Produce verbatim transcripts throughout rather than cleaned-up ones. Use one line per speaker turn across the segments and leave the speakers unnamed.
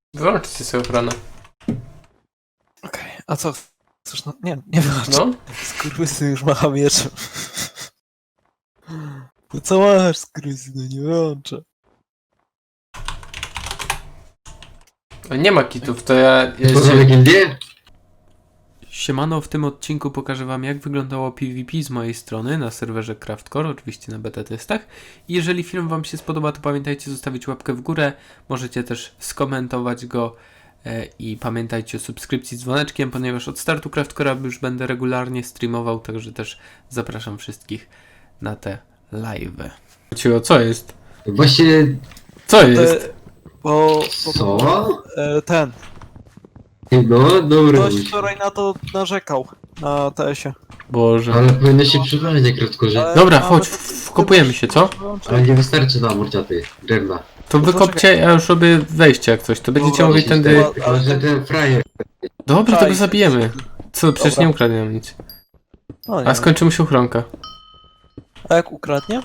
Wyłączcie sobie ochronę.
Okej, okay. A co? Chcesz no... Nie, nie wyłącz.
No?
Skurwysyn już macha mieczem. No co masz, skurwysynu, nie wyłączę.
Nie ma kitów, to ja... ja
Tworzymy gildię?
Siemano, w tym odcinku pokażę wam, jak wyglądało PvP z mojej strony na serwerze Craftcore, oczywiście na beta testach. I jeżeli film wam się spodoba, to pamiętajcie zostawić łapkę w górę, możecie też skomentować go e, i pamiętajcie o subskrypcji z dzwoneczkiem, ponieważ od startu Craftcore'a już będę regularnie streamował, także też zapraszam wszystkich na te live'y. Cicho, co jest?
Właśnie...
Co
Te,
jest?
bo, bo,
Co?
bo e, ten.
No, dobra.
Ktoś wczoraj na to narzekał. Na T S-ie.
Boże.
Ale powinno się przybrać na krótkorze.
Ale
Dobra,
mamy
chodź,
to-
wkopujemy się, co?
Ale nie wystarczy nam morciaty, drewna.
To
No
wykopcie, ja już robię wejście jak coś, to będziecie
Dobra,
mogli
się
tędy...
stoi, Ale że ten frajer...
Dobra, to
Czaj.
go zabijemy. Co, przecież
Dobra.
nie ukradniemy nic.
No, nie
A
wiem.
skończy mu się ochronka.
A jak ukradnie?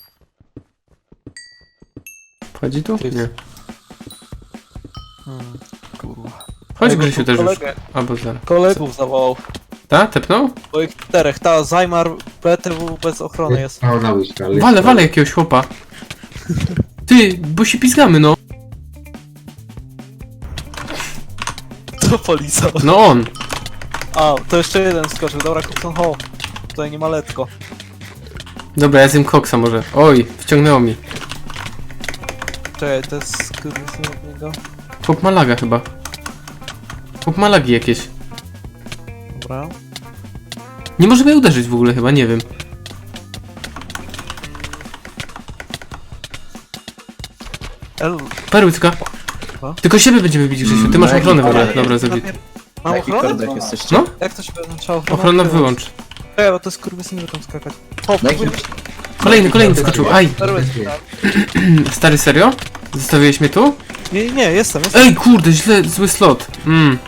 Wchodzi tu? Nie.
Hmm, kurwa.
Chodź
Jakby
Grzesiu
tu
też już.
kolegę-
Albo zaraz.
Kolegów zawołał.
Ta? Tepnął?
Bo ich czterech. Ta Zajmar B T W bez ochrony jest.
Pełna łyżka, ale...
Wale, wale jakiegoś chłopa. Ty, bo się pizgamy, no.
To polizał.
No on.
A, to jeszcze jeden skoczył. Dobra, Cookson Hall. Tutaj nie ma letko.
Dobra, ja zjem koksa może. Oj, wciągnęło mi.
Czekaj, to jest skurwysyn od niego.
Chłop ma laga chyba. Chłop ma lagi jakieś.
Dobra.
Nie może mnie uderzyć w ogóle chyba, nie wiem.
El...
Perłycka.
Co?
Tylko siebie będziemy bić, Grzesiu. Ty masz
No,
ochronę w ogóle.
jaki-
Dobra, zabij.
Mam
Na jakich
ochronę?
kordach jesteście?
No?
Jak to się oznacza ochronę?
Ochrona wyłącz.
Czekaj, bo to jest skurwysyn, że tam skakać. Hop,
Na jakim-
Kolejny, kolejny skoczył. Aj.
perłysyn, tak.
Stary, serio? Zostawiłeś mnie tu?
Nie, nie, jestem, jestem.
Ej, kurde, źle, zły slot. Mm.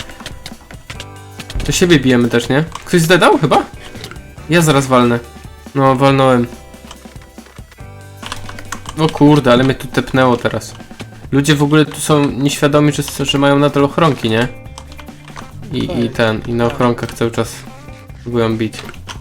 To siebie bijemy też, nie? Ktoś zdedał chyba? Ja zaraz walnę. No, walnąłem. O kurde, ale mnie tu tepnęło teraz. Ludzie w ogóle tu są nieświadomi, że, że mają nadal ochronki, nie? I, i ten, i na ochronkach cały czas próbują bić.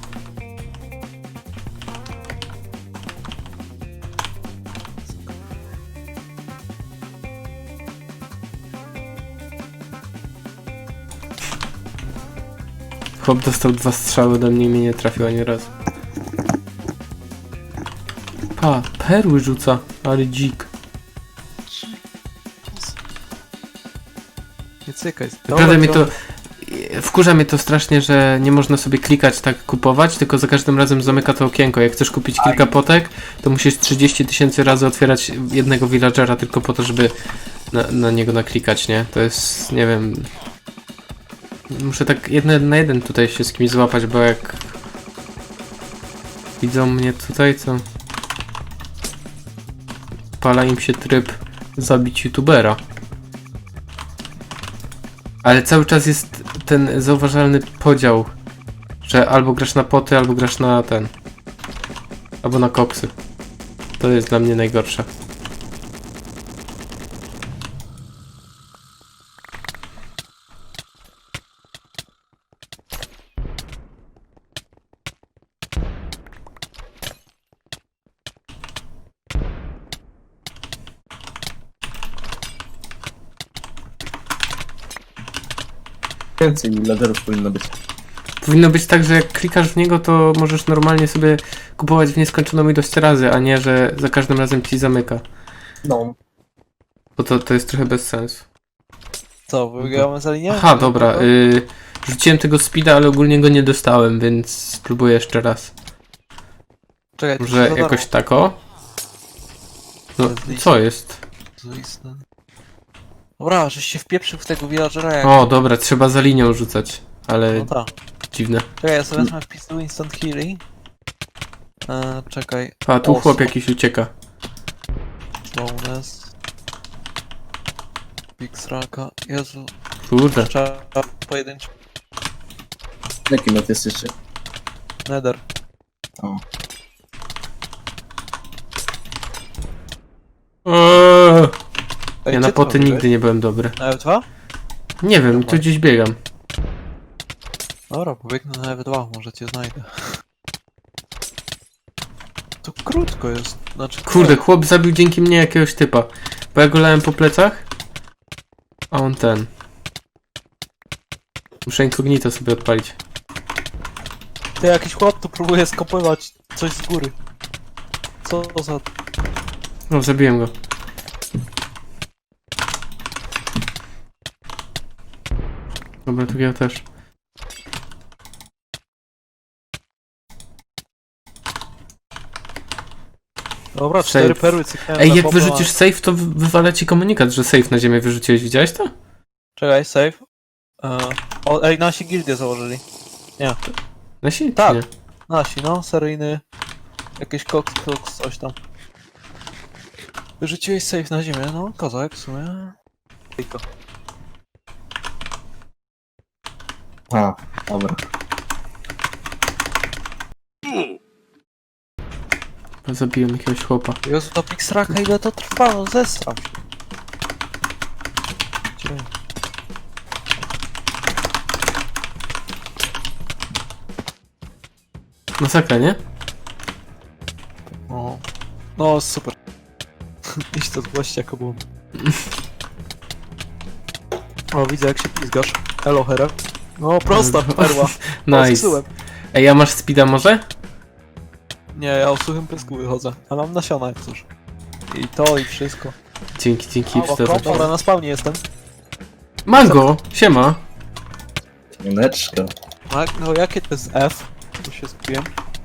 Chłop dostał dwa strzały do mnie i mnie nie trafił ani razu. Pa, perły rzuca, ale dzik.
Nie cykaj.
Naprawdę mnie to... Wkurza mnie to strasznie, że nie można sobie klikać tak kupować, tylko za każdym razem zamyka to okienko. Jak chcesz kupić kilka potek, to musisz trzydzieści tysięcy razy otwierać jednego villagera tylko po to, żeby na, na niego naklikać, nie? To jest, nie wiem... Muszę tak jeden na jeden tutaj się z kimś złapać, bo jak... Widzą mnie tutaj, co... Pala im się tryb zabić youtubera. Ale cały czas jest ten zauważalny podział, że albo grasz na poty, albo grasz na ten. Albo na koksy. To jest dla mnie najgorsze.
Więcej laderów powinno być.
Powinno być tak, że jak klikasz w niego, to możesz normalnie sobie kupować w nieskończoną ilość razy, a nie, że za każdym razem ci zamyka.
No.
Bo to, to jest trochę bez sensu.
Co, wygramy za linię?
Aha, dobra. Y, rzuciłem tego speeda, ale ogólnie go nie dostałem, więc spróbuję jeszcze raz.
Czekaj, to
Może
się za darmo.
jakoś tako? No, co jest?
Zaistne. Dobra, żeś się wpieprzył w tego villagera jak...
O, dobra, trzeba za linią rzucać, ale
No tak.
dziwne.
Czekaj, ja sobie wezmę wpis do instant healing. Eee, czekaj.
A, tu
O,
chłop
są.
jakiś ucieka.
Bonus. Big Sraka. Jezu.
Kurde.
Trzeba pojedynczy.
Jaki lot jesteście?
Nether.
O.
Eee,
Ej,
Ja
gdzie
na
ty
poty
robiłeś?
nigdy nie byłem dobry.
Na F dwa?
Nie wiem, tu gdzieś biegam.
Dobra, pobiegnę na F dwa, może cię znajdę. To krótko jest, znaczy...
Kurde, chłop zabił dzięki mnie jakiegoś typa. Bo ja go lałem po plecach, a on ten. Muszę incognito sobie odpalić.
Ty, jakiś chłop tu próbuje skopywać coś z góry. Co to za...
No, zabiłem go. Dobra, tu ja też.
Dobra,
Safe.
cztery perły cyknąłem
Ej,
na
jak
chłopa.
wyrzucisz safe, to wy- wywala ci komunikat, że safe na ziemię wyrzuciłeś. Widziałeś to?
Czekaj, save. E, o, ej, nasi gildię założyli.
Nasi?
Tak.
Nie.
Nasi, no, seryjny... Jakiś koks, koks, coś tam. Wyrzuciłeś save na ziemię, no, kozak w sumie. Tylko.
A, dobra.
Zabiłem jakiegoś chłopa.
Jezu, to Pixraka, ile to trwa, no zestram się. Gdzie?
Masakra, nie?
O. No, super. Iść to zgłoście jako błąd. O, widzę jak się pizgasz. Elo, Hera. No, prosta perła. O,
Nice.
zepsułem.
Ej, a masz speeda może?
Nie, ja o suchym pysku wychodzę. A mam nasiona jak coś. I to, i wszystko.
Dzięki, dzięki.
O, dobra, na spawnie jestem.
Mango! Siema!
Mineczka.
A, no, jakie to jest F? Tu się skupiłem.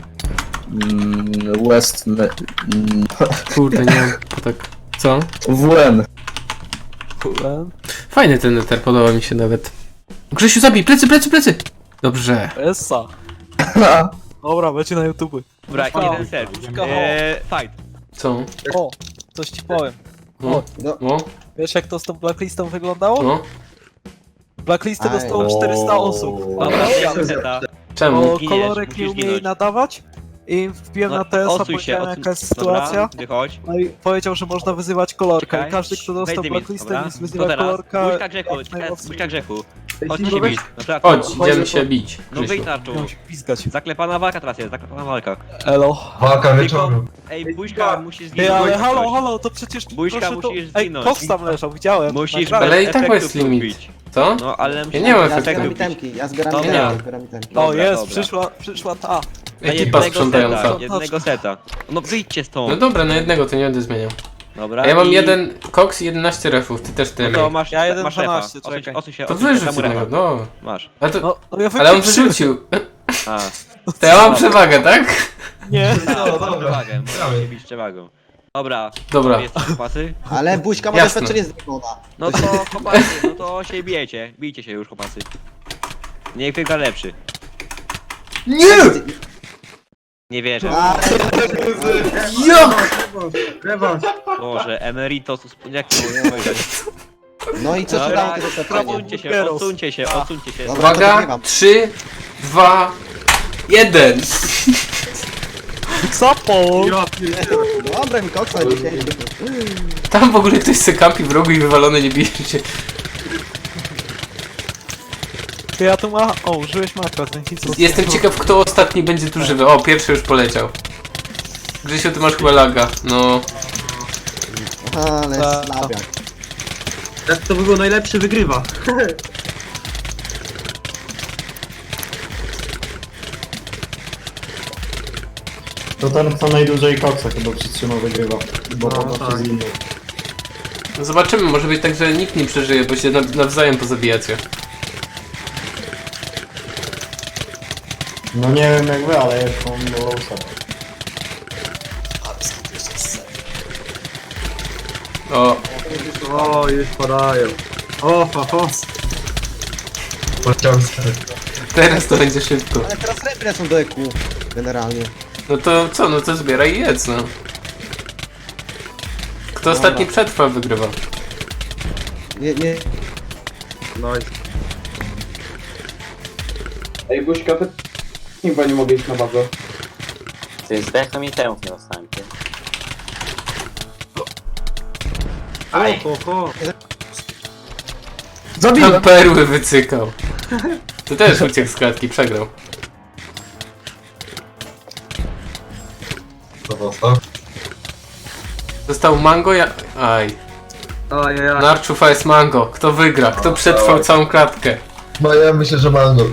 Mm, West... Ne... Mm,
Kurde, nie mam tak. Co?
W N.
Kurde.
Fajny ten neter, podoba mi się nawet. Grzesiu, zabij! Plecy, plecy, plecy! Dobrze.
Essa. Dobra, będzie na YouTube.
Dobra,
Buźka,
jeden serw.
buźka,
Eee, fight.
Co?
O, coś ci powiem.
No,
No.
no,
Wiesz jak to z tą blacklistą wyglądało?
no.
Blacklistę
Aj.
dostało czterysta osób.
Dobra, ja seta.
Czemu?
Bo
Zginiesz,
kolorek nie
musisz
umie
zginąć.
jej nadawać i wbiłem na T S a,
odsuń się,
powiedziałem
odsuń.
jaka jest sytuacja.
Dobra, wychodź.
No i powiedział, że można wyzywać kolorka
Czekaj.
i każdy kto dostał
Wejdź mi,
blacklistę
dobra?
więc
To
wyzywa
teraz,
kolorka.
Buźka grzechu,
jak
czekaj,
najmocniej.
buźka grzechu. Chodź się bić. No tak,
Chodź,
no.
idziemy się bić.
No
Grzesiu.
wyjdź na czoło.
Miał się pizgać.
Zaklepana walka teraz jest, zaklepana walka.
Elo.
Walka
Tylko, ej, buźka musisz zginąć.
Ty, ale
jak
halo,
coś.
halo, to przecież
Buźka,
proszę to...
musisz
Ej,
zginąć.
koks tam leżał, widziałem.
Musisz
Naprawdę.
Ale i tak
efektów
jest limit.
lubić.
Co?
No, ale musisz
nie mam
efektów
efektów.
lubić.
itemki, ja zbieram
Dobra.
itemki, zbieram itemki.
O,
Dobra,
jest,
dobra.
przyszła, przyszła ta.
Na
Ekipa
jednego
sprzątająca.
seta, jednego seta. No wyjdźcie
No
stąd.
dobra, na jednego to nie będę zmieniał.
Dobra.
A ja mam
i-
jeden koks i jedenaście refów, ty też
No
tyle.
to masz,
Ja jeden
masz refa.
dwanaście,
Osuń się,
czekaj.
osuń się,
To
osuń się,
wyrzuć
tam
jednego,
refa.
no.
Masz.
A to,
No, no ja
ale on
wypieprzyłem.
wyrzucił.
A.
To ja mam przewagę, tak?
Nie.
No, dobra. Przewagę, możesz się bić przewagą. Dobra.
Dobra.
Jest chłopacy?
Ale buźka ma
Jasne.
doświadczenie z demona.
No to chłopacy, no to się bijecie. Bijcie się już chłopacy. Niech wygra lepszy.
Nie!
Nie wierzę.
A,
Jak?
Boże, emeritus, jak to powiedzieć?
no i co ci dało
Dobra,
to doświadczenie?
odsuńcie się, odsuńcie się, odsuńcie się.
Dobra, to
Uwaga,
wygrywam.
trzy, dwa, jeden.
Sapol!
Dobra, mi koksa dzisiaj.
Tam w ogóle ktoś se kampi w rogu i wywalony nie bije się.
Ty, ja tu ma... O, użyłeś makro, więc nic nie
Jestem ciekaw, kto ostatni będzie tu żywy. O, pierwszy już poleciał. Grzesiu, ty masz chyba laga. No.
Ale
Ta-
slabiak.
Jak to by było najlepszy, wygrywa.
To ten, kto najdłużej koksa chyba przytrzymał, wygrywa. Bo
No,
potem
tak.
się zginął.
No zobaczymy, może być tak, że nikt nie przeżyje, bo się naw- nawzajem pozabijacie.
No nie wiem jak wy, ale ja już mam lowsa.
O,
O, już padają. O, fa, fa.
teraz to będzie szybko.
Ale teraz repre są do E Q. Generalnie.
No to co, no to zbieraj i jedz, no. Kto ostatni przetrwa, wygrywa.
Nie, nie.
No i
Ej, Buźka, ty chyba nie mogę iść na bazę.
Ty zdechnął mi temu nie dostałem, ty.
Ho, ho, ho.
Tam
Zabiłem!
perły wycykał. To też uciekł z klatki, przegrał.
To został.
Został mango, ja... Aj.
Ajajaj.
Narczufa jest mango. Kto wygra? Kto przetrwał całą klatkę?
No ja myślę, że mango.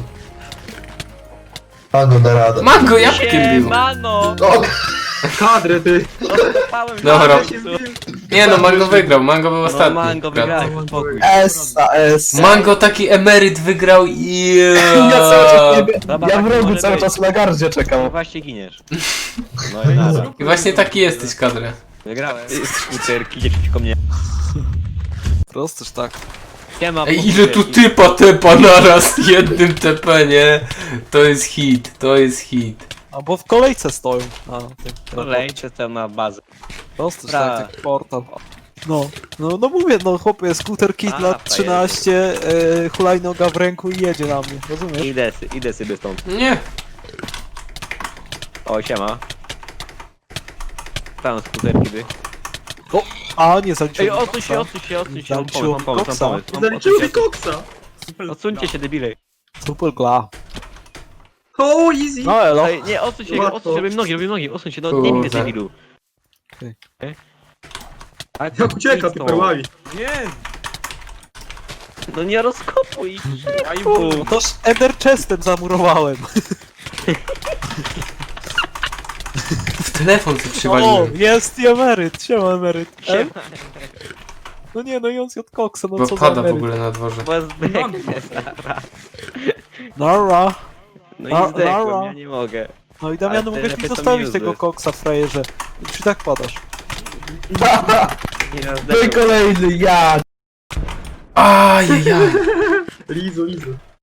Mango da radę.
Mango jabłkiem był.
Mano!
O,
Kadry, ty.
Dostałem
Dobra.
na
Nie no, mango wygrał. Mango był
No
ostatni.
mango
w klatce.
wygrałem, spokój.
Essa, essa.
Mango taki emeryt wygrał i...
Ja cały czas nie wiem.
Dobra,
Ja
tak
w rogu
może
cały
być.
czas na gardzie
No
czekam.
właśnie giniesz. No i nara.
I właśnie taki jesteś, kadrę.
Wygrałem. Skuterki, idzie przeciwko mnie.
Prostoż tak.
Siema,
Ej, ile tu typa tepa naraz jednym T P, nie? To jest hit, to jest hit.
Albo w kolejce stoją. A, tym,
Kolejcie tam na bazę.
Prostoż
Dobra.
tak, jak portal. No, no, no mówię, no chłopie, skuter kit
A,
lat trzynaście, e, hulajnoga w ręku i jedzie na mnie, rozumiesz?
Idę, sy- idę sobie stąd.
Nie.
O, siema. Tam skuterki by.
A, nie zaliczyłem.
Ej, odsuń się, odsuń się, odsuń się. Mam pomysł,
Zaliczyłem
mam pomysł, mam
koksa.
pomysł. Mam-
Zaliczył mi
odsuńcie
koksa.
się. Odsuńcie się, debile.
Super gla.
O, easy.
No elo.
Ej, nie, odsuń się,
Łatwo.
odsuń się, robię nogi, robię nogi, odsuń się, no nie
Kurde.
widzę debilu.
Okej.
Ej. Ale
Jak ucieka,
idź
ty
to.
perłami.
No nie rozkopuj.
No toż Ender Chestem zamurowałem.
W telefon się
O,
przywaliłem.
jest i emeryt, siema emeryt. E?
Siema.
No nie, no i on z od koksa, no
Bo
co za
pada w
emeryt.
ogóle na dworze.
Bo zdechnę zaraz.
Nara.
No
A,
i zdechłem,
dobra.
ja nie mogę.
No i Damian,
Ale
mogłeś
te
mi
lepiej są
zostawić
useless.
tego koksa, frajerze. Czy tak padasz?
Nie
No i
zdechłem.
kolejny, ja!
Ajajaj.
Lizu, lizu.